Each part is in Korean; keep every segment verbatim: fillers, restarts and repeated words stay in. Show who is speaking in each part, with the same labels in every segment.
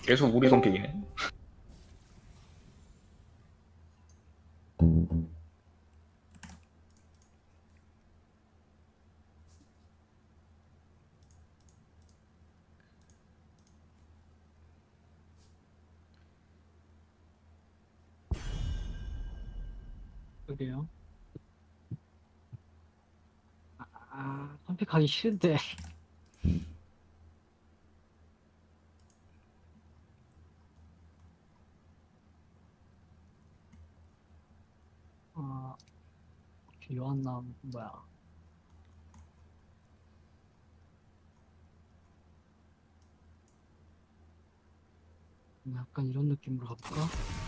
Speaker 1: 계속 우리 선픽이네.
Speaker 2: 그게요. 아, 아, 선택하기 싫은데. 아, 요한남 뭐야? 음, 약간 이런 느낌으로 가볼까?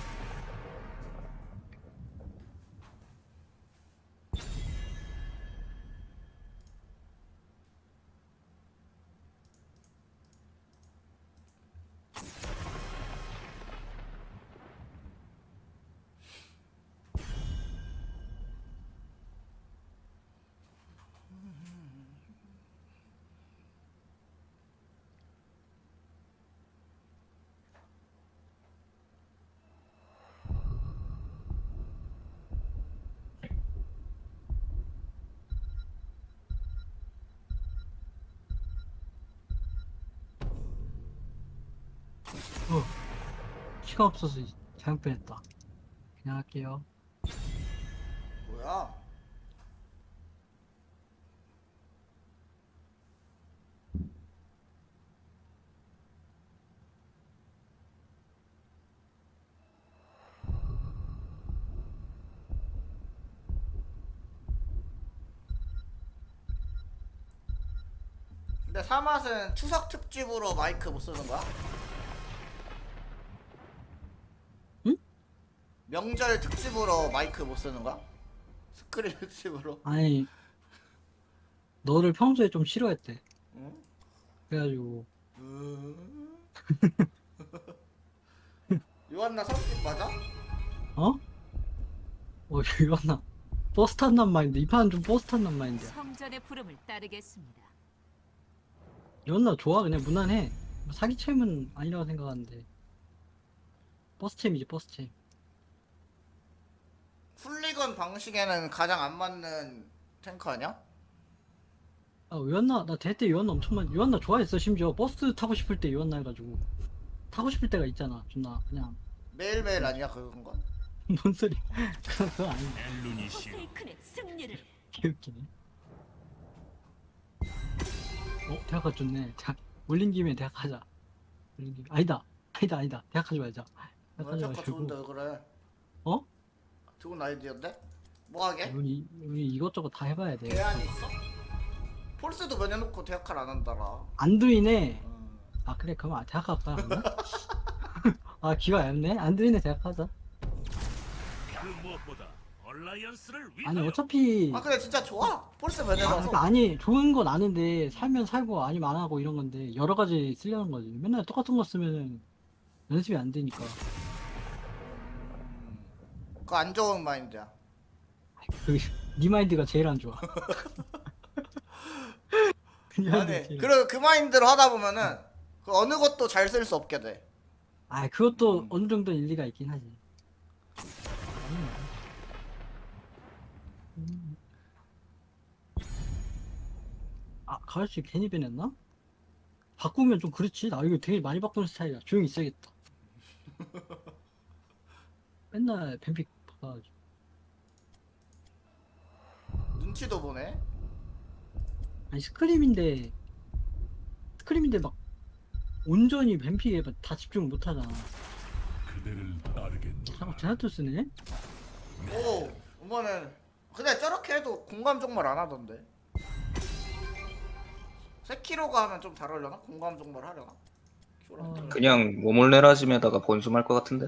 Speaker 2: 어, 시간 없어서 잘못 뺐다. 그냥 할게요.
Speaker 3: 뭐야? 근데 사맛은 추석 특집으로 마이크 못 쓰는 거야?
Speaker 2: 응?
Speaker 3: 명절 특집으로 마이크 못 쓰는 거야? 스크린 특집으로?
Speaker 2: 아니, 너를 평소에 좀 싫어했대.
Speaker 3: 응?
Speaker 2: 그래가지고,
Speaker 3: 음... 요한나 성격 맞아?
Speaker 2: 어? 어, 요한남. 버스 탄단 마인드. 이 판은 좀 버스 탄단 마인드야.
Speaker 4: 성전의 부름을 따르겠습니다.
Speaker 2: 요한남 좋아. 그냥 무난해. 뭐 사기챔은 아니라고 생각하는데. 버스챔이지, 버스챔.
Speaker 3: 훌리건 방식에는 가장 안 맞는 탱크 아니야?
Speaker 2: 아, 요한나, 나 대때 요한나 엄청 많이, 요한나 좋아했어. 심지어 버스 타고 싶을 때 요한나 해가지고. 타고 싶을 때가 있잖아. 존나, 그냥.
Speaker 3: 매일매일 아니야 그런 건?
Speaker 2: 뭔 소리. 그건 그거 아니야.
Speaker 4: 포세이큰의 승리를.
Speaker 2: 개웃기네. 어, 대학 가줬네. 대학, 올린 김에 대학 하자. 올린 김에. 아니다. 아니다, 아니다. 대학 하지 말자. 대학
Speaker 3: 왜
Speaker 2: 하지
Speaker 3: 탱크 좋은데
Speaker 2: 말고.
Speaker 3: 왜 그래?
Speaker 2: 어?
Speaker 3: 좋은 아이디어인데? 뭐 하게?
Speaker 2: 우리, 우리 이것저것 다 해봐야 돼.
Speaker 3: 대안이 있어? 폴스도 면해놓고 대학칼 안 한다라.
Speaker 2: 안두이네.
Speaker 3: 음.
Speaker 2: 아, 그래. 그럼 아, 대학 갈까? 그러면? 아, 기가 얇네. 안두이네 대학 하자.
Speaker 5: 그 무엇보다 얼라이언스를
Speaker 2: 아니,
Speaker 5: 위하여
Speaker 2: 어차피.
Speaker 3: 아 근데 진짜 좋아. 폴스
Speaker 2: 아,
Speaker 3: 면해놔서.
Speaker 2: 그러니까 아니, 좋은 건 아는데, 살면 살고, 아니면 안 하고 이런 건데, 여러 가지 쓰려는 거지. 맨날 똑같은 거 쓰면은 연습이 안 되니까.
Speaker 3: 그거 안 좋은 마인드야.
Speaker 2: 그, 니 마인드가 제일 안 좋아. 그 마인드가
Speaker 3: 아니
Speaker 2: 제일 안
Speaker 3: 그리고 그 마인드로 하다 보면은 그 어느 것도 잘 쓸 수 없게 돼.
Speaker 2: 아, 그것도
Speaker 3: 음.
Speaker 2: 어느 정도 일리가 있긴 하지. 아, 가을씨 괜히 변했나? 바꾸면 좀 그렇지. 나 이거 되게 많이 바꾸는 스타일이야. 조용히 있어야겠다. 맨날 뱀픽 바꿔가지고.
Speaker 3: 눈치도 보네.
Speaker 2: 아니, 스크림인데, 스크림인데 막, 온전히 뱀픽에 막다 집중을 못 하잖아.
Speaker 5: 그대를 따르겠노라.
Speaker 2: 자꾸 제나토스네?
Speaker 3: 오 이번엔 근데 저렇게 해도 공감 종말 안 하던데. 세키로가 하면 좀 잘 하려나? 공감 종말 하려나?
Speaker 2: 어.
Speaker 1: 그냥 모몰레라짐에다가 번숨할 것 같은데?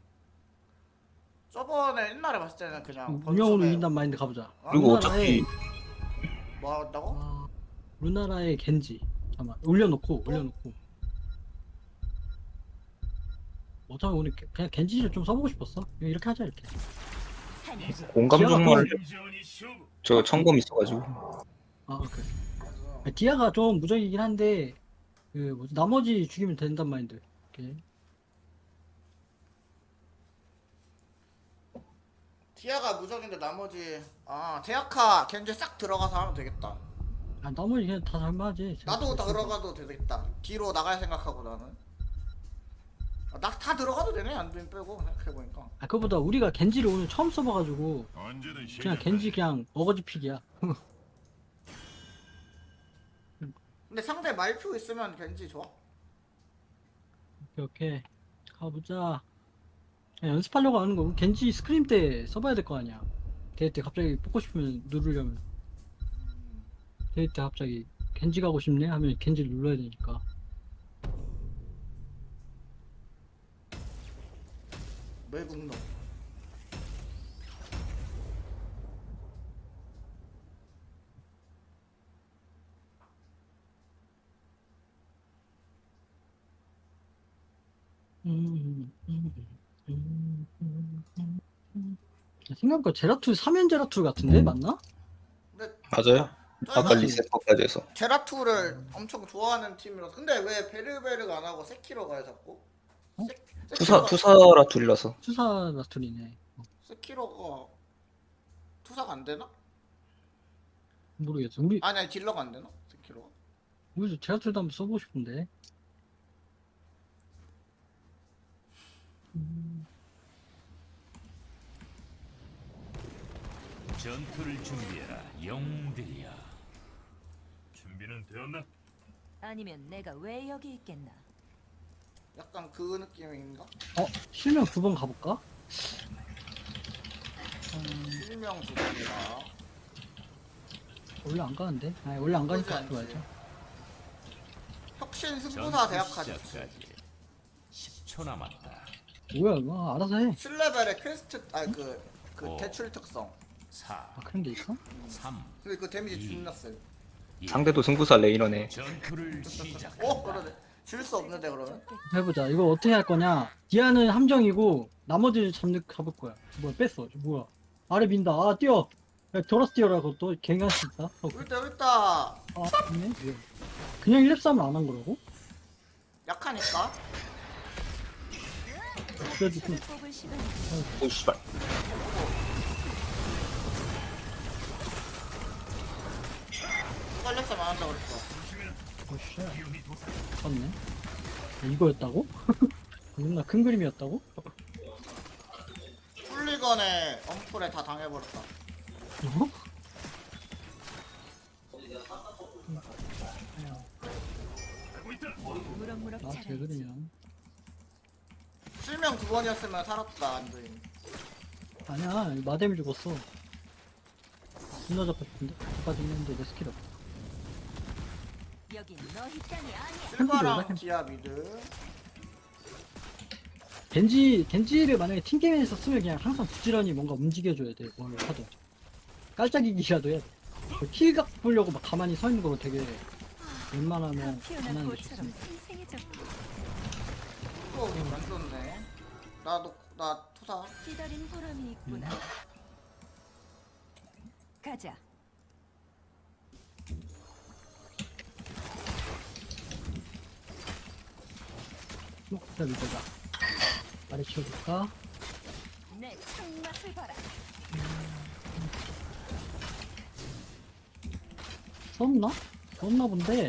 Speaker 3: 저번에 옛날에 봤을 때는 그냥
Speaker 2: 운영으로
Speaker 3: 번숨에
Speaker 2: 이긴단 마인드 가보자.
Speaker 3: 어?
Speaker 1: 그리고
Speaker 2: 우리나라에-
Speaker 1: 어차피
Speaker 3: 뭐 한다고?
Speaker 2: 아, 루나라의 겐지. 잠깐만, 올려놓고, 올려놓고. 어차피 오늘 게- 그냥 겐지를 좀 써보고 싶었어. 그냥 이렇게 하자, 이렇게.
Speaker 4: 사냥
Speaker 1: 공감
Speaker 2: 기아가
Speaker 1: 정말
Speaker 5: 심지어니 쇼부.
Speaker 1: 저 청검 있어가지고
Speaker 2: 아, 그래.
Speaker 3: 그래서
Speaker 2: 아, 디아가 좀 무적이긴 한데, 그, 뭐지, 나머지 죽이면 된단 마인드. 이렇게.
Speaker 3: 디아가 무적인데 나머지 아 제아카 겐지 싹 들어가서 하면 되겠다.
Speaker 2: 아 나머지 그냥 다 잘맞지.
Speaker 3: 나도 들어가도 되겠다. 뒤로 나갈 생각하고 나는. 아, 나 다 들어가도 되네 안드림 빼고 생각해보니까.
Speaker 2: 아 그거보다 우리가 겐지를 오늘 처음 써봐가지고
Speaker 5: 언제든
Speaker 2: 그냥
Speaker 5: 시작.
Speaker 2: 겐지 그냥 어거지 픽이야.
Speaker 3: 근데 상대 말표 있으면 겐지 좋아.
Speaker 2: 이렇게 가보자. 그냥 연습하려고 하는 거. 겐지 스크림 때 써봐야 될 거 아니야. 대회 때 갑자기 뽑고 싶으면 누르려면. 대회 때 갑자기 겐지 가고 싶네 하면 겐지를 눌러야 되니까.
Speaker 3: 외국놈.
Speaker 2: 음, 음, 음, 음, 음, 음. 생각보다 제라툴 삼 연 제라툴 같은데 맞나?
Speaker 3: 근데
Speaker 1: 맞아요. 아까
Speaker 3: 저희가
Speaker 1: 리셋까지 해서.
Speaker 3: 제라투를 엄청 좋아하는 팀이라서. 근데 왜 베르베르가 안 하고 세키로가 해 자꾸?
Speaker 2: 어?
Speaker 3: 세,
Speaker 1: 투사
Speaker 3: 세키로가-
Speaker 1: 투사라 둘이라서.
Speaker 2: 투사 라툴이네.
Speaker 3: 세키로가 투사가 안 되나?
Speaker 2: 모르겠어. 우리
Speaker 3: 아니 아니 딜러가 안 되나? 세키로가?
Speaker 2: 우리도 제라툴도 한번 써보고 싶은데. 음,
Speaker 5: 전투를 준비해라, 영웅들이야. 준비는 되었나?
Speaker 4: 아니면 내가 왜 여기 있겠나?
Speaker 3: 약간 그 느낌인가?
Speaker 2: 어 실명 두 번 가볼까? 음,
Speaker 3: 실명 두 번이라.
Speaker 2: 원래 안 가는데? 아니 원래 안 가니까
Speaker 3: 나쁘지
Speaker 2: 하지
Speaker 3: 않지.
Speaker 2: 말자.
Speaker 3: 혁신 승부사 대학까지.
Speaker 5: 시작까지 십 초 남았다.
Speaker 2: 뭐야 이거 알아서 해.
Speaker 3: 칠 레벨의 퀘스트 아니 그, 그
Speaker 5: 오.
Speaker 3: 대출 특성.
Speaker 5: 사,
Speaker 2: 아 그런 게 있어?
Speaker 5: 삼,
Speaker 3: 근데 그 데미지
Speaker 5: 이.
Speaker 3: 존나 세.
Speaker 5: 일.
Speaker 1: 상대도 승부사 레이너네.
Speaker 5: 전투를 시작.
Speaker 3: 어 그러네. 질 수 없는데 그러면?
Speaker 2: 해보자. 이거 어떻게 할 거냐? 디아는 함정이고 나머지를 잡는 잡을 거야. 뭐야 뺐어. 뭐야? 아래 민다. 아 뛰어. 야 돌아서 뛰어라. 그것도 갱할 수 있다. 어,
Speaker 3: 울다 울다.
Speaker 2: 아 있네. 왜? 그냥 일 렙 싸움을 안 한 거라고?
Speaker 3: 약하니까.
Speaker 2: 그래도 좀
Speaker 4: 뽑을 시간이
Speaker 1: 오 씨발.
Speaker 3: 빨렸으면 안 한다고 그랬어.
Speaker 2: 어씨. 맞네. 아, 이거였다고? 존나 큰 그림이었다고?
Speaker 3: 풀리건에 엄풀에 다 당해버렸다.
Speaker 2: 어?
Speaker 4: 무럭무럭
Speaker 2: 아, 제
Speaker 4: 자라지.
Speaker 2: 그림이야.
Speaker 3: 실명 두 번이었으면 살았다 안드림.
Speaker 2: 아니야, 마뎀이 죽었어. 존나 잡혔는데? 잡아진 했는데 내 스킬 없어.
Speaker 4: 여긴 너희 땅이 아니야.
Speaker 3: 실바랑
Speaker 2: 햄-
Speaker 3: 디아 미드.
Speaker 2: 겐지, 겐지를 만약에 팀게임에서 쓰면 그냥 항상 부지런히 뭔가 움직여줘야 돼, 뭘 하든. 깔짝이기라도 해야 돼. 킬각 보려고 막 가만히 서 있는 거 되게 웬만하면
Speaker 4: 피어난
Speaker 2: 가만히 게
Speaker 4: 꽃처럼
Speaker 2: 좋습니다.
Speaker 4: 생생해졌고
Speaker 3: 또 안 좋네. 나도 나 투사.
Speaker 4: 기다린 보람이 있구나. 가자.
Speaker 2: 어, 자, 믿어봐. 아래 치워줄까?
Speaker 4: 내 창맛을 봐라.
Speaker 2: 썼나? 썼나 본데.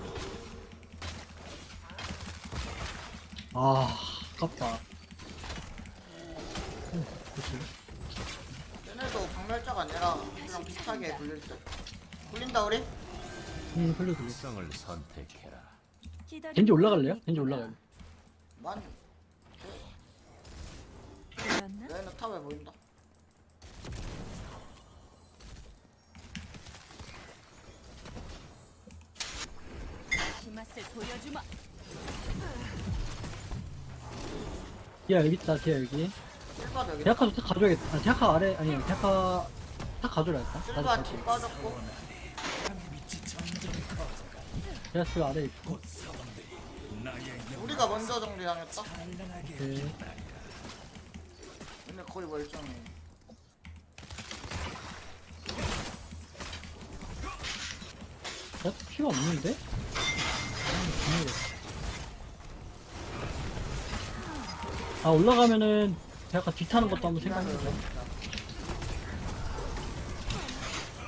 Speaker 2: 아, 아깝다. 어, 그치.
Speaker 3: 얘네도 박멸자가 아니라 그냥 비슷하게 굴릴 듯. 굴린다 우리?
Speaker 2: 음, 흘려 돌려.
Speaker 5: 성을 선택해라.
Speaker 4: 기다린
Speaker 2: 겐지 올라갈래요?
Speaker 4: 보람이
Speaker 2: 겐지
Speaker 4: 있구나.
Speaker 2: 올라갈래.
Speaker 3: 만
Speaker 4: 보였나?
Speaker 3: 얘네 탑에 보인다.
Speaker 4: 이 맛을 보여주마.
Speaker 2: 야, 여기 있다, 디아 여기.
Speaker 3: 실바 여기.
Speaker 2: 대학가도 딱 가져야겠다. 아, 대학가 아래, 아니야, 대학가 딱 가져라, 일단. 나도
Speaker 3: 실바
Speaker 2: 갈게.
Speaker 3: 뒤 빠졌고.
Speaker 2: 대학가 아래 있고.
Speaker 3: 우리가 먼저 정리당했다.
Speaker 2: 네.
Speaker 3: 얘네 거의 멀쩡해.
Speaker 2: 나 피가 없는데? 아, 올라가면은 대학가 뒤 타는 것도 한번 생각해보자.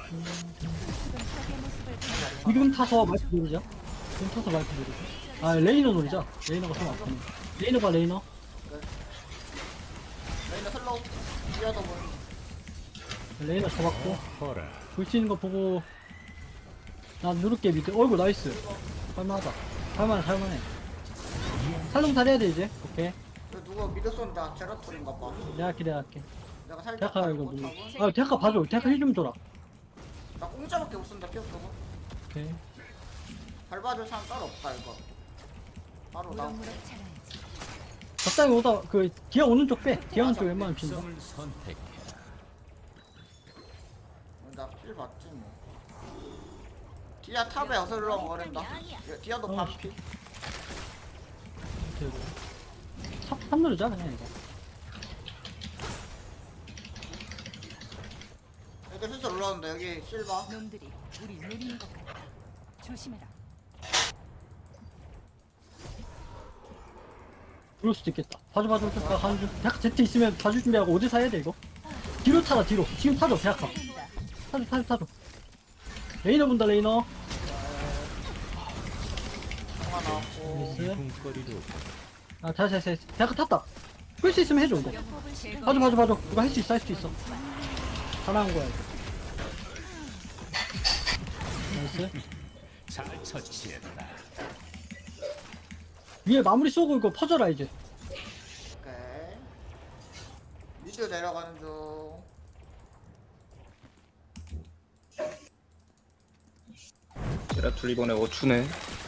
Speaker 4: 지금 적의 모습을 보여.
Speaker 2: 지금 타서 마이크 누르자. 지금 타서 마이크 누르자. 아 레이너 누르자. 레이너가 좀 아프네. 레이너가 레이너.
Speaker 3: 레이너 슬로우. 뛰어도 뭐.
Speaker 2: 레이너 잡았고.
Speaker 5: 허라.
Speaker 2: 볼 수 있는 거 보고. 나 누를게 밑에. 어이구 나이스. 할만하다. 할만해 할만해. 살롱탈 해야 돼 이제. 오케이.
Speaker 3: 이거 누가 미드 쏜다. 제라툴인가 봐.
Speaker 2: 내가 할게 내가 할게.
Speaker 3: 내가 살짝
Speaker 2: 대학가 이거
Speaker 3: 가지고
Speaker 2: 누르.
Speaker 3: 타고.
Speaker 2: 아 대학가 봐줘. 대학가 힐 좀 줘라.
Speaker 3: 나 공짜밖에 못 쓴다. 피어 쓰고.
Speaker 2: 오케이.
Speaker 3: 밟아줄 사람 따로 없다 이거. 바로 나.
Speaker 4: 무럭무럭 자라야지.
Speaker 2: 적당히 오다 그 기아 오는 쪽 빼. 기아 오는 쪽 웬만하면 빈다.
Speaker 5: 특성을 선택해라.
Speaker 3: 나필 봤지 뭐. 디아 탑에 어슬렁거린다. 예, 디아도
Speaker 2: 어,
Speaker 3: 반피.
Speaker 2: 탑, 탑 누르자 그냥 이거.
Speaker 3: 여기 슬슬 올라온다. 여기 실바.
Speaker 4: 놈들이 우리 노리는 것 같다. 조심해라.
Speaker 2: 그럴 수도 있겠다. 봐줘 봐줘 봐줘. 나 가는 중. 대학 제트 있으면 봐줄 준비하고 어디서 해야 돼 이거? 뒤로 타라 뒤로. 지금 타줘 대학 가.
Speaker 4: 간다.
Speaker 2: 타줘 타줘 타줘. 레이너 본다 레이너.
Speaker 3: 하나 나왔고.
Speaker 2: 나이스.
Speaker 5: 궁거리로
Speaker 2: 아 다시 다시 다시. 대학 탔다. 끌 수 있으면 해줘 이거.
Speaker 4: 영법을 제거.
Speaker 2: 봐줘 봐줘 봐줘. 이거 할 수 있어 할 수 있어. 잘하는 거야 이거. 나이스.
Speaker 5: 잘 처치했다.
Speaker 2: 위에 마무리 쏘고 이거 퍼져라 이제.
Speaker 3: 오케이. 미드 내려가는 중.
Speaker 1: 제라툴 이번에 어추네.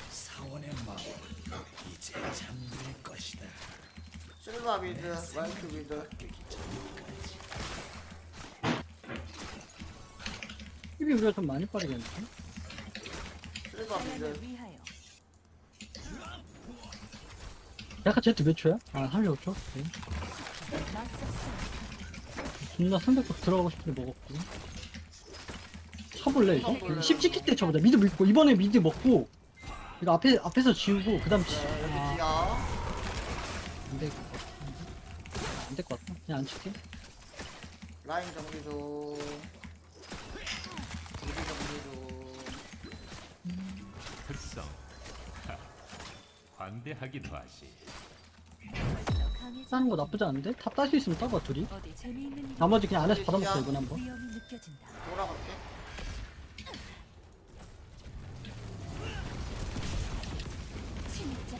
Speaker 3: 실바 미드, 마이크 미드.
Speaker 2: 힙이 우리가 좀 많이 빠르겠는데?
Speaker 3: 실바
Speaker 4: 사람을
Speaker 3: 미드.
Speaker 4: 위하여.
Speaker 2: 약간 제트 몇 초야? 아 삼십오 초? 오케이.
Speaker 4: 맞섰어.
Speaker 2: 존나 삼백박 들어가고 싶은데 먹었고. 쳐볼래 이거? 십 찍힐 때 쳐보자. 미드 밀고 이번에 미드 먹고 이거 앞에 앞에서 지우고 그다음 치.
Speaker 3: 여기
Speaker 2: 아,
Speaker 3: 디아.
Speaker 2: 안될 안될 것 같아. 그냥 안 칠게.
Speaker 3: 라인 정리 중. 미드 정리 중.
Speaker 5: 특성. 하, 관대하기도 하지.
Speaker 4: 벌써 강해져.
Speaker 2: 따는 거 나쁘지 않은데? 탑 딸 수 있으면 따봐 둘이.
Speaker 4: 어디 재미있는 일.
Speaker 2: 나머지 그냥 안에서 받아먹자 이번 한번.
Speaker 4: 위험이 느껴진다.
Speaker 3: 돌아갈게.
Speaker 4: 진짜.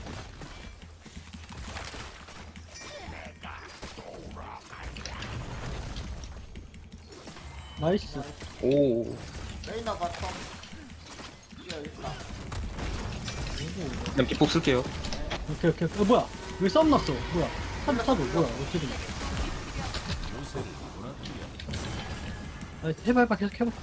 Speaker 2: 나이스.
Speaker 1: 오.
Speaker 3: 레이나 바텀. 디아 있다.
Speaker 1: 그냥 비폭 쓸게요.
Speaker 2: 오케이 오케이. 어 뭐야? 왜 썸 났어? 뭐야? 타도 타도 뭐야? 어떻게 된 거야? 아, 해봐 해봐 계속 해봐.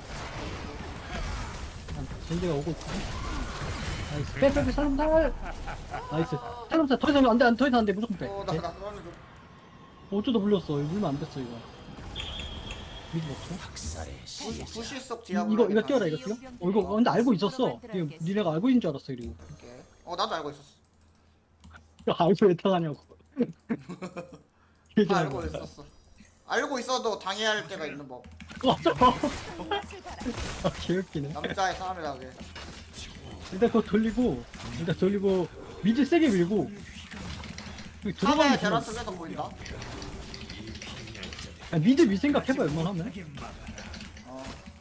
Speaker 2: 아, 젠지가 오고 있고. 나이스. 빼빼빼 살롬살. 나이스. 살롬살 더 이상 안돼 안 더 이상 안돼 무조건 빼.
Speaker 3: 어, 나,
Speaker 2: 네?
Speaker 3: 나 그러는 중.
Speaker 2: 어쩌다 물렸어. 이거 물면 안 됐어 이거. 미드 먹고.
Speaker 5: 학살의 시.
Speaker 3: 부시, 부시 속 디아.
Speaker 2: 이- 이거 이거 뛰어라 이거 뛰어. 어 이거 근데 알고 있었어. 이거 니네가 알고 있는 줄 알았어 이거.
Speaker 3: 오케이. 어, 나도 알고 있었어.
Speaker 2: 이거 알고 왜 타가냐고.
Speaker 3: 다 알고 있었어. 알고 있어도 당해야 할 때가 있는 법.
Speaker 2: 맞아.
Speaker 4: 맛을 봐라.
Speaker 2: 아 개웃기네.
Speaker 3: 남자의 싸움이라게.
Speaker 2: 일단 그거 돌리고 일단 돌리고 미드 세게 밀고 여기
Speaker 3: 탑에
Speaker 2: 들어가면
Speaker 3: 제라
Speaker 2: 되나?
Speaker 3: 쪽에서 보인다.
Speaker 2: 야, 미드 밀 생각 해봐 웬만하면.
Speaker 3: 어.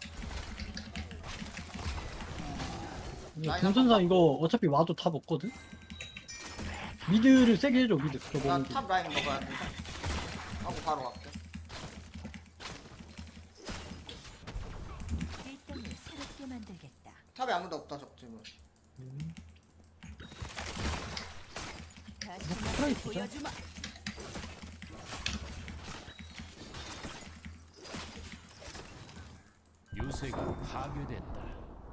Speaker 2: 이거 동선상 이거 어차피 와도 탑 없거든? 미드를 세게 해줘 미드 저거 먹는 게.
Speaker 3: 나탑 라인 먹어야 돼. 하고 바로 갈게.
Speaker 4: 일당을 새롭게 만들겠다.
Speaker 3: 탑에 아무도 없다 적지문.
Speaker 4: 다시
Speaker 2: 프라이
Speaker 4: 맛을
Speaker 2: 주자.
Speaker 4: 보여주마.
Speaker 5: 요새가 파괴된다.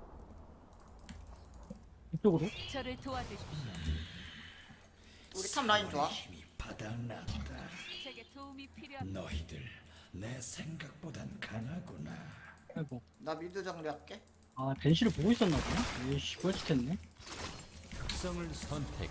Speaker 2: 이쪽으로.
Speaker 4: 저를 도와주십시오.
Speaker 3: 우리 탑 라인 좋아.
Speaker 6: 힘이 바닥났다.
Speaker 4: 제게 도움이 필요합니다.
Speaker 6: 너희들 내 생각보단 강하구나.
Speaker 2: 아이고.
Speaker 3: 나 미드 정리할게.
Speaker 2: 아 벤시를 보고 있었나 보네. 에이씨 뻘짓했네.
Speaker 5: 특성을 선택.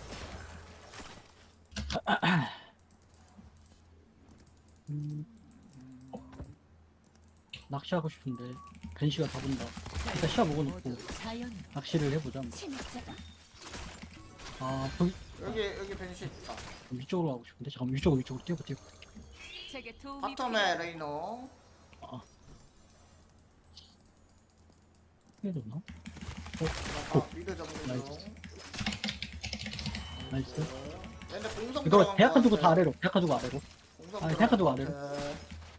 Speaker 2: 음. 낚시하고 싶은데 벤시가 다 본다. 일단 시야 먹어놓고
Speaker 4: 모두 자연
Speaker 2: 낚시를 해보자. 뭐.
Speaker 4: 침입자다.
Speaker 2: 아 거기
Speaker 3: 여기 여기 벤시 있다.
Speaker 2: 위쪽으로 가고 싶은데 잠깐 위쪽으로 위쪽으로 뛰어봐 뛰어봐.
Speaker 4: 제게 도움이
Speaker 3: 바텀에
Speaker 4: 필요하다.
Speaker 3: 레이너.
Speaker 2: 뛰어졌나?
Speaker 3: 아, 미드 정리
Speaker 2: 나이스.
Speaker 3: 중.
Speaker 2: 나이스.
Speaker 3: 근데 공성
Speaker 2: 이거
Speaker 3: 들어간
Speaker 2: 대학가
Speaker 3: 거
Speaker 2: 두고 다
Speaker 3: 같아.
Speaker 2: 아래로. 대학가 두고 아래로.
Speaker 3: 공성
Speaker 2: 아,
Speaker 3: 들어간
Speaker 2: 대학가 두고
Speaker 3: 거
Speaker 2: 아래로.
Speaker 3: 같아.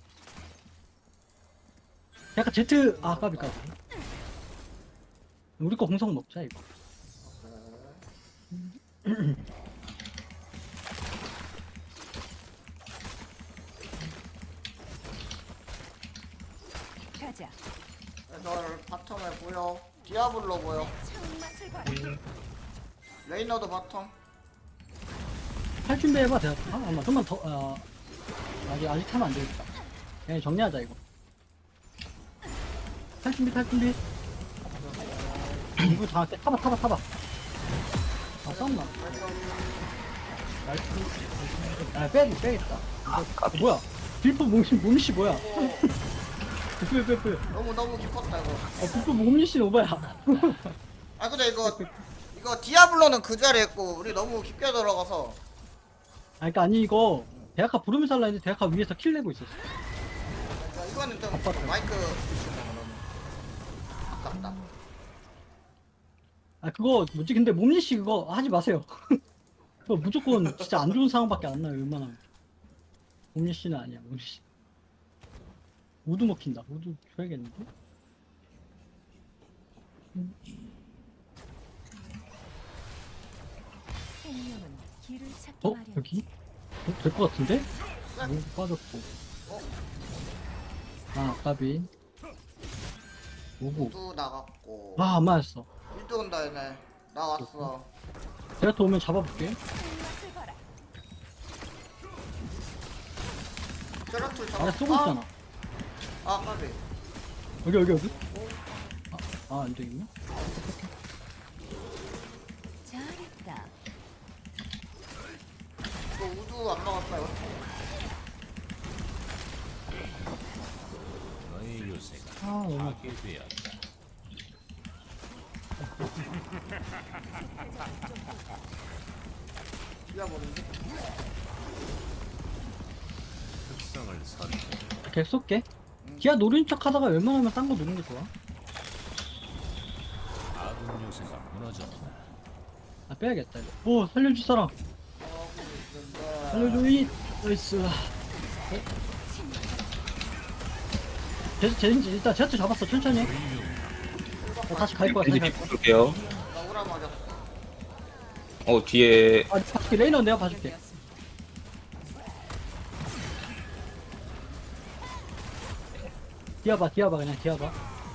Speaker 2: 약간 제트 아 까비까비. 우리 거 공성 먹자 이거.
Speaker 4: 가자.
Speaker 3: 애들 바텀에 보여. 디아블로 보여.
Speaker 4: 처음 맛을 봐라.
Speaker 3: 레이너도 바텀.
Speaker 2: 탈 준비해봐 대학. 아 아마 좀만 더. 아 아직 아직 타면 안 되겠다. 그냥 정리하자 이거. 탈 준비 탈 준비. 이거 장할게. 타봐 타봐 타봐. 아 썸나. 나이스. 아 빼야지 빼야겠다. 아, 뭐야? 빌프 몸시 몸시 뭐야? 빼 빼 빼.
Speaker 3: 너무 너무 깊었다 이거.
Speaker 2: 아 빌프 몸시 오바야.
Speaker 3: 아 근데 이거 이거 디아블로는 그 자리에 있고 우리 너무 깊게 들어가서.
Speaker 2: 아 그니까 아니 이거 대학가 부르면서 할라 했는데 대학가 위에서 킬 내고 있었어.
Speaker 3: 그러니까 이거는 좀
Speaker 2: 바빴다.
Speaker 3: 마이크 너무 아깝다.
Speaker 2: 아 그거 뭐지 근데 몸리씨 그거 하지 마세요. 그거 무조건 진짜 안 좋은 상황밖에 안 나요 웬만하면. 몸리씨는 아니야 몸리씨. 우드 먹힌다. 우드 줘야겠는데?
Speaker 4: 생명은 길을 찾기
Speaker 2: 어?
Speaker 4: 마련.
Speaker 2: 여기? 어? 될 것 같은데? 오 빠졌고. 아 까비. 오고.
Speaker 3: 또 나갔고.
Speaker 2: 아 안 맞았어.
Speaker 3: 미드 온다 얘네. 나 왔어.
Speaker 2: 제가 또 오면 잡아볼게.
Speaker 4: 처음 맛을 봐라.
Speaker 3: 세라툴 잡아.
Speaker 2: 아래 쏘고 있잖아.
Speaker 3: 아 까비.
Speaker 2: 여기 여기 여기. 아 안 되겠네.
Speaker 4: 잘했다.
Speaker 3: 이거 우두 안 막았다 이거.
Speaker 5: 너의 요새가
Speaker 2: 아 너무.
Speaker 5: 파괴되었다.
Speaker 3: 디아블인데.
Speaker 5: 특성을 선택.
Speaker 2: 계속 쏠게. 기아 노린 척 하다가 웬만하면 딴 거 노는 게 좋아.
Speaker 5: 아군 요새가 무너졌다.
Speaker 2: 아 빼야겠다 이거. 오 살려줄 사람. 살려줘 이. 나이스. 제트 제인지 일단 제트 잡았어 천천히. 어, 다시 갈 거야. 다시 갈 거야.
Speaker 1: 볼게요.
Speaker 3: 나 오라 맞았어.
Speaker 1: 어 뒤에
Speaker 2: 아 봐줄게 레이너 내가 봐줄게. 디아봐 디아봐 그냥 디아봐.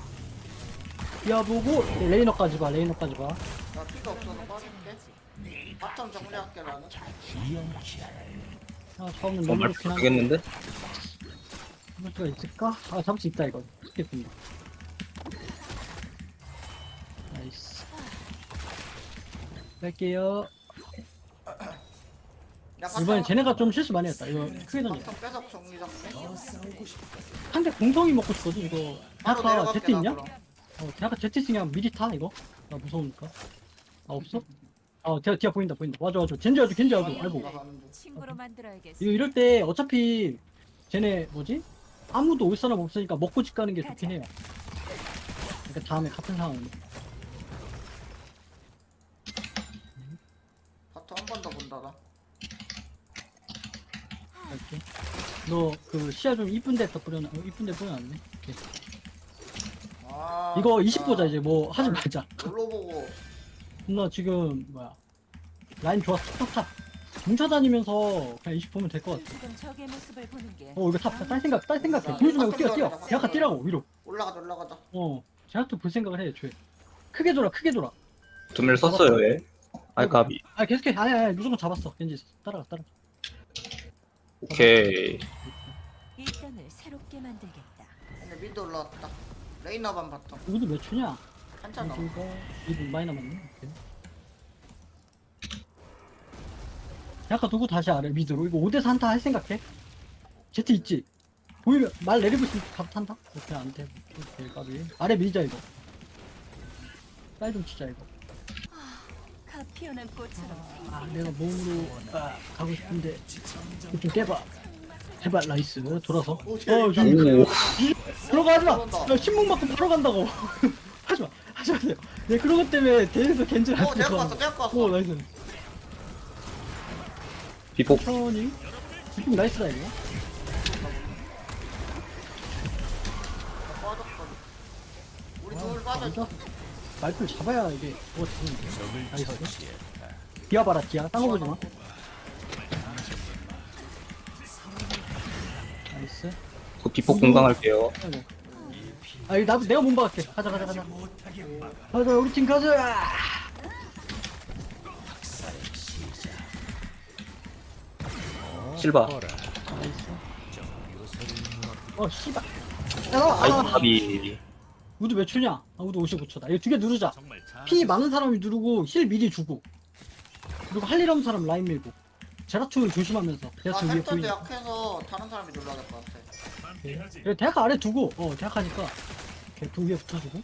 Speaker 2: 디아보고 레이너까지 봐 레이너까지 봐.
Speaker 3: 나 피가 없어서 빠질게. 바텀 정리할게 나는.
Speaker 2: 아 처음엔 너무
Speaker 1: 정말
Speaker 2: 좋긴 한데
Speaker 1: 모르겠는데?
Speaker 2: 잡을 수가 있을까? 아 잡을 수 있다 이거. 쉽겠습니다. 나이스. 뺄게요.
Speaker 3: 야,
Speaker 2: 이번엔
Speaker 3: 바텀-
Speaker 2: 쟤네가 좀 실수 많이 했다. 이거 크게 던져.
Speaker 3: 바텀 빼서 정리 잡게.
Speaker 2: 상대 공성이 먹고 싶거든 이거.
Speaker 3: 바로
Speaker 2: 대학가
Speaker 3: 내려갈게
Speaker 2: 제트
Speaker 3: 나
Speaker 2: 있냐?
Speaker 3: 그럼.
Speaker 2: 어 대학가 제트 있으면 미리 타 이거. 나 무서우니까. 아 없어? 어 디아 디아 보인다 보인다. 맞아 맞아. 겐지 아주 겐지 아주. 아이고.
Speaker 3: 나 가는 중.
Speaker 4: 친구로 만들어야겠어.
Speaker 2: 이거 이럴 때 어차피 쟤네 뭐지? 아무도 올 사람 없으니까 먹고 집 가는 게 좋긴 해요. 그러니까 다음에 같은 상황은.
Speaker 3: 바텀 한 번 더 본다 나.
Speaker 2: 이렇게. 너 그 시야 좀 이쁜 데다 뿌려놔. 어, 이쁜 데 뿌려놨네. 오케이.
Speaker 3: 아,
Speaker 2: 이거 이십
Speaker 3: 아,
Speaker 2: 보자 이제 뭐 하지 말자.
Speaker 3: 놀러 보고.
Speaker 2: 너 지금 뭐야? 라인 좋았어. 탑 탑. 뭉쳐다니면서 그냥 이십 보면 될 것 같아.
Speaker 4: 지금 적의 모습을 보는 게.
Speaker 2: 어 이거 탑, 딸 생각, 딸 생각해. 보여주지 말고 뛰어, 뛰어. 대학가 뛰라고 위로.
Speaker 3: 올라가자 올라가자.
Speaker 2: 어, 제작도 볼 생각을 해, 애초에. 크게 돌아, 크게 돌아.
Speaker 1: 두밀 썼어요 얘. 알까비.
Speaker 2: 아 계속해. 아니 아니 무조건 잡았어. 겐지 따라가, 따라가.
Speaker 1: 오케이.
Speaker 4: 이 땅을 새롭게 만들겠다.
Speaker 3: 근데 미드 올라왔다. 레이너반 바텀.
Speaker 2: 우드 몇 초냐?
Speaker 3: 한참 남아.
Speaker 2: 이거 이분 많이 남았네. 오케이. 대학가 두고 다시 아래 미드로. 이거 오 대 사 한타 할 생각해? 제트 있지? 보이면 말 내리고 있으면 각 탄다? 오케이 안돼. 오케이 까비. 아래 밀자 이거. 쌀 좀 치자 이거.
Speaker 4: 가 피어난 꽃처럼
Speaker 2: 아 내가 몸으로 아, 가고 싶은데 이거 좀 깨봐. 제발 나이스 돌아서.
Speaker 3: 오,
Speaker 2: 어
Speaker 3: 재밌다.
Speaker 2: 좀
Speaker 1: 오.
Speaker 2: 들어가 하지마.
Speaker 3: 들어간다.
Speaker 2: 야 신문 맞고 바로 간다고. 하지마 하지 마세요. 네 그런 것 때문에 대회에서 겐지를
Speaker 3: 어, 대학 갔어, 대학 갔어.
Speaker 2: 오 나이스.
Speaker 1: 비폭.
Speaker 2: 천천히. 지금 나이스다 이거.
Speaker 3: 빠졌거든. 우리
Speaker 2: 아,
Speaker 3: 둘 빠져.
Speaker 2: 진짜 말풀 잡아야 이게 뭐가 되는데.
Speaker 5: 적을
Speaker 2: 나이스.
Speaker 5: 처치했다.
Speaker 2: 디아 봐라 디아 딴거 보지 마. 나이스.
Speaker 1: 그 비폭 공강할게요.
Speaker 2: 아이고. 아 이거 나도 내가 몸박을게. 가자 가자 가자. 가자 우리 팀 가자.
Speaker 1: 실바.
Speaker 5: 거라.
Speaker 2: 나이스.
Speaker 5: 저 요새를 눈앞에
Speaker 2: 어 씨발. 야 나와.
Speaker 1: 아이고
Speaker 2: 아,
Speaker 1: 가비.
Speaker 2: 우드 몇 초냐? 아 우드 오십오 초다. 이거 두 개 누르자.
Speaker 5: 정말
Speaker 2: 피 많은 사람이 누르고 힐 미리 주고. 그리고 할 일 없는 사람 라인 밀고. 제라툴 조심하면서.
Speaker 3: 나
Speaker 2: 제라툴 위에
Speaker 3: 센터
Speaker 2: 보이니.
Speaker 3: 대학해서 다른 사람이 눌러야 될 것 같아.
Speaker 2: 그래, 대학 아래 두고. 어 대학 하니까. 이렇게 그 위에 붙어주고.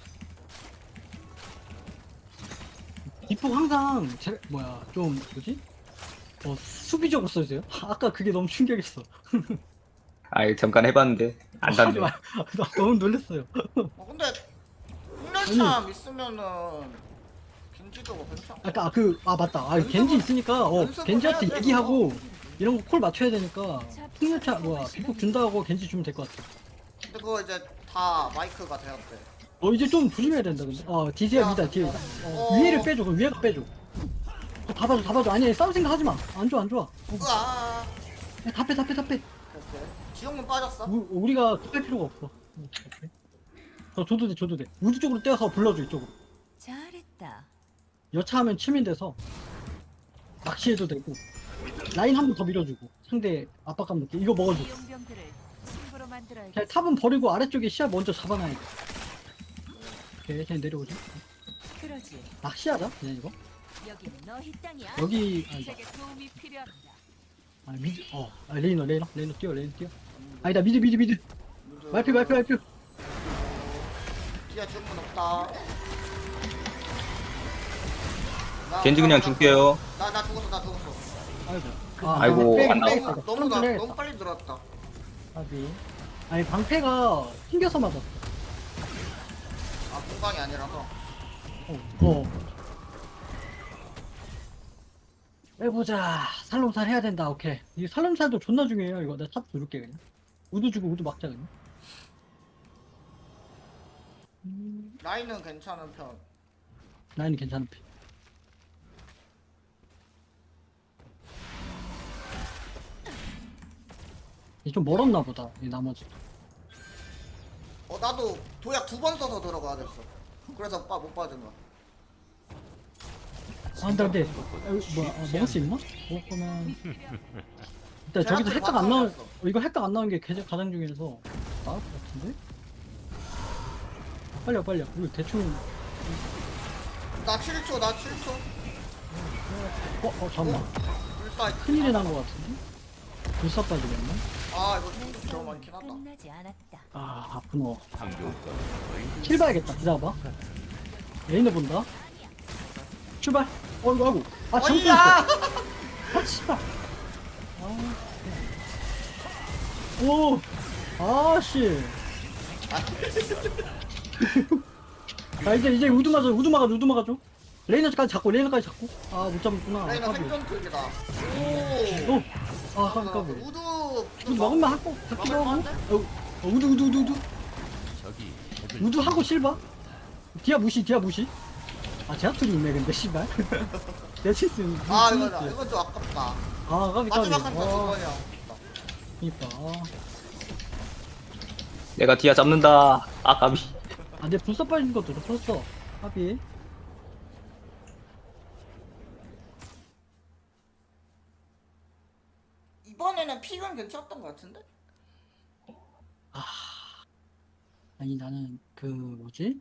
Speaker 2: 뒷북 항상 제 뭐야 좀 뭐지? 어 수비적으로 써주세요. 아까 그게 너무 충격이었어.
Speaker 1: 아이 잠깐 해봤는데 안
Speaker 2: 하지
Speaker 1: 닿네.
Speaker 2: 마. 나 너무 놀랐어요.
Speaker 3: 어, 근데 흑열참 있으면은 겐지도 괜찮아.
Speaker 2: 아까 그 아 맞다. 아
Speaker 3: 연습을-
Speaker 2: 겐지 있으니까 어
Speaker 3: 연습을
Speaker 2: 겐지한테
Speaker 3: 해야 돼,
Speaker 2: 얘기하고 이런 거 콜 맞춰야 되니까 풍요차 뭐야 비폭 준다고 겐지 주면 될 것 같아.
Speaker 3: 근데 그거 이제 다 마이크가 되었대.
Speaker 2: 어 이제 좀 조심해야 된다 근데. 어 디지야 미다 뒤에. 어,
Speaker 3: 어.
Speaker 2: 위에를 빼줘. 그 위에가 빼줘. 어, 다 봐줘 다 봐줘. 아니 싸울 생각 하지 마. 안 좋아 안 좋아. 어,
Speaker 3: 으아.
Speaker 2: 다 빼 다 빼 다 빼.
Speaker 3: 오케이. 지용문 빠졌어?
Speaker 2: 우, 우리가 뺄 필요가 없어. 응, 오케이. 어, 줘도 돼 줘도 돼. 우주 쪽으로 떼어서 불러줘 이쪽으로.
Speaker 4: 잘했다.
Speaker 2: 여차하면 치민돼서 낚시해도 되고 라인 한 번 더 밀어주고 상대 압박감 느끼 이거 먹어줘.
Speaker 4: 이 용병들을 친구로 만들어야겠어.
Speaker 2: 그냥 탑은 버리고 아래쪽에 시야 먼저 잡아놔야 돼. 오케이 그냥 내려오자.
Speaker 4: 그러지.
Speaker 2: 낚시하자 그냥 이거.
Speaker 4: 여기는 너희 땅이야.
Speaker 2: 여기 아니다.
Speaker 4: 제게 도움이 필요합니다.
Speaker 2: 아 미드 어 아, 레이너 레이너 레이너 뛰어 레이너 뛰어. 아니다 미드 미드 미드. 말표 말표 말표.
Speaker 3: 뒤에 지용문 없다. 나-
Speaker 1: 겐지
Speaker 3: 나-
Speaker 1: 그냥
Speaker 3: 나-
Speaker 1: 줄게요.
Speaker 3: 나, 나 죽었어, 나 죽었어.
Speaker 2: 아이고.
Speaker 1: 아이고,
Speaker 2: 빼-
Speaker 1: 안 나와.
Speaker 2: 빼겠다,
Speaker 3: 너무,
Speaker 2: 이거.
Speaker 3: 너무, 나,
Speaker 2: 빼겠다.
Speaker 3: 너무 빨리 들어왔다.
Speaker 2: 아비. 아니 방패가 튕겨서 맞았어.
Speaker 3: 아, 공간이 아니라서.
Speaker 2: 어. 어. 해보자. 살롬살 해야 된다. 오케이. 이 살롬살도 존나 중요해요. 이거 내가 탑 누를게 그냥. 우드 주고 우드 막자 그냥. 음,
Speaker 3: 라인은 괜찮은 편.
Speaker 2: 라인이 괜찮은 피. 이좀 멀었나 보다. 이 나머지.
Speaker 3: 어, 나도 도약 두 번 써서 들어가야 됐어. 그래서 빠, 못 빠진 거야.
Speaker 2: 아 근데 근데 아, 뭐야 아, 먹을 수 있나? 먹을 거면 일단 저기서 핵각 안 나온 어, 이거 핵각 안 나온 게 가장 가장 중요해서 나을 것 같은데? 빨리 와 빨리 와 우리 대충
Speaker 3: 나 칠 초, 나 칠 초.
Speaker 2: 어? 어 잠깐만
Speaker 3: 불사.
Speaker 2: 큰일이 난 것 같은데? 불사 빠지겠네?
Speaker 3: 아, 이거 힘도 너무 많긴 하다.
Speaker 4: 끝나지 않았다.
Speaker 2: 아 아프노
Speaker 5: 항공권
Speaker 2: 킬 봐야겠다 기다려봐 레이너 본다 출발 어이구 아이고 아 잘못
Speaker 3: 어이야!
Speaker 2: 아 씨발 오 아씨 아 이제 이제 우드 맞아 우드 막아줘 우드 막아줘 레이너까지 잡고 레이너까지 잡고 아 못 잡았구나
Speaker 3: 라인은
Speaker 2: 까비.
Speaker 3: 생존 특이다. 오.
Speaker 2: 오! 아 까비 까비
Speaker 3: 우드.
Speaker 2: 우드 먹으면 하고 잡기도 하고
Speaker 3: 먹을만한데?
Speaker 2: 어, 어, 우드 우드 우드 우드
Speaker 5: 적이 적을
Speaker 2: 우드 하고 실바 디아 무시 디아 무시 아 제아툴이 있네 근데 씨발 내 실수
Speaker 3: 아, 이거, 이건 좀 아깝다.
Speaker 2: 아 까비 까비
Speaker 3: 마지막 한타 두
Speaker 2: 아
Speaker 3: 번이야.
Speaker 2: 그니까 아.
Speaker 1: 내가 디아 잡는다. 아 가비.
Speaker 2: 아, 내 불사 빠진 것도 줬어. 하비.
Speaker 3: 이번에는 픽은 괜찮았던 것 같은데?
Speaker 2: 아니, 나는, 그, 뭐지?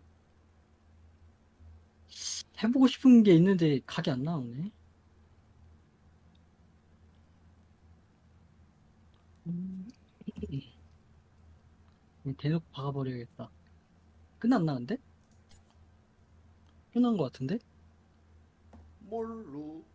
Speaker 2: 해보고 싶은 게 있는데, 각이 안 나오네. 음. 그냥 대놓고 박아버려야겠다. 끝났나 근데? 끝난 거 같은데?
Speaker 3: 뭘로?